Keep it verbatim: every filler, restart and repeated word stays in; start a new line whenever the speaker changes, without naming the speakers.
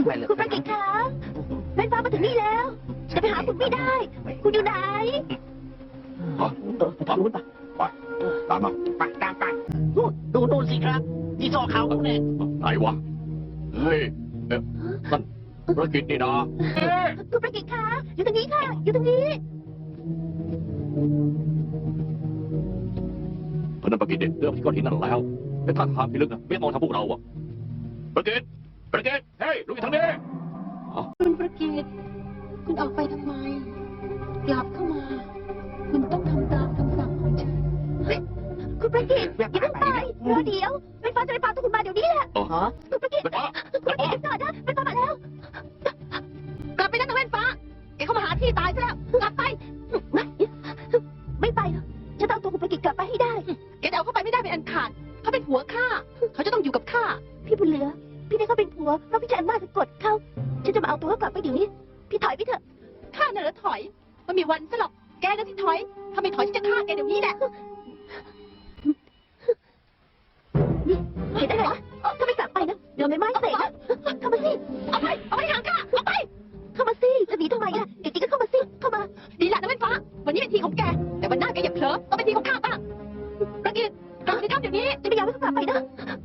คุณประกิตคะแม่ฟ้ามาถึงนี่แล้วจะไปหาคุณไม่ได้ คุณอยู่ไหน
ฮะทางนู้นไปไปตามมาไปตามไปนู่นดูนู่นสิครับที่ซอกเขาเนี่ยไหนวะเฮ้ยเอ๊ะนั่นประกิตนี่นะ
คุณประกิตคะอยู่ตรงนี้ค่ะอยู่ตรงนี้
เพราะนั่นประกิตเนี่ยเดิมที่ก้อนหินนั่นแล้วแต่ท่าทางพิลึกนะไม่มองทางพวกเราอะประกิตประกิตเฮ้ยลุกทางนี้
คุณประกิตคุณออกไปทำไมกลับเข้ามาคุณต้องทำตามคำสั่งของฉัน
คุณประกิตอย่าเพิ่งไปรอเดี๋ยวแม่ฟ้าจะไปพาตัวคุณมาเดี๋ยวนี้แหละคุณประกิตคุณประกิตก่อนนะแม่ฟ้ามาแล้ว
กลับไปนั่นนะแม่ฟ้าแกเข้ามาหาที่ตายซะแล้วกลับไป
ไม่ไปหรอกฉันต้องตัวคุณประกิตกลับไปให้ได้
แกจะเอาเข้าไปไม่ได้เป็นอันขาดเขาเป็นผัวข้าเขาจะต้องอยู่กับข้า
พี่บุญเหลือพี่ได้เขาเป็นผัวเพราะพี่จะอันมาสะกดเขาฉันจะมาเอาตัวเขากลับไปเดี๋ยวนี้พี่ถอยไปเถอะ
ข้าน่ะเหรอถอยมันมีวันซะหรอกแกน่ะที่ถอยถ้าไม่ถอยฉันจะฆ่าแกเดี๋ยวนี้แหละ
นี่เห็นอะไรนะถ้าไม่กลับไปนะเดี๋ยวไม่ไหม้เสร็จนะเข้ามาสิ
เอาไปเอาไปห่างข้าเอาไป
เข้ามาสิจะหนีทำไมล่ะเดี๋ยวจริงก็เข้ามาสิเข้ามา
ดีละนะแม่ฟ้าวันนี้เป็นทีของแกแต่วันหน้าแกอย่าเผลอต้องเป็นทีของข้าบ้างประกิตกลับไปในถ้ำเดี๋ยวนี้
จะไม่ยอมให้เขากลับไปนะ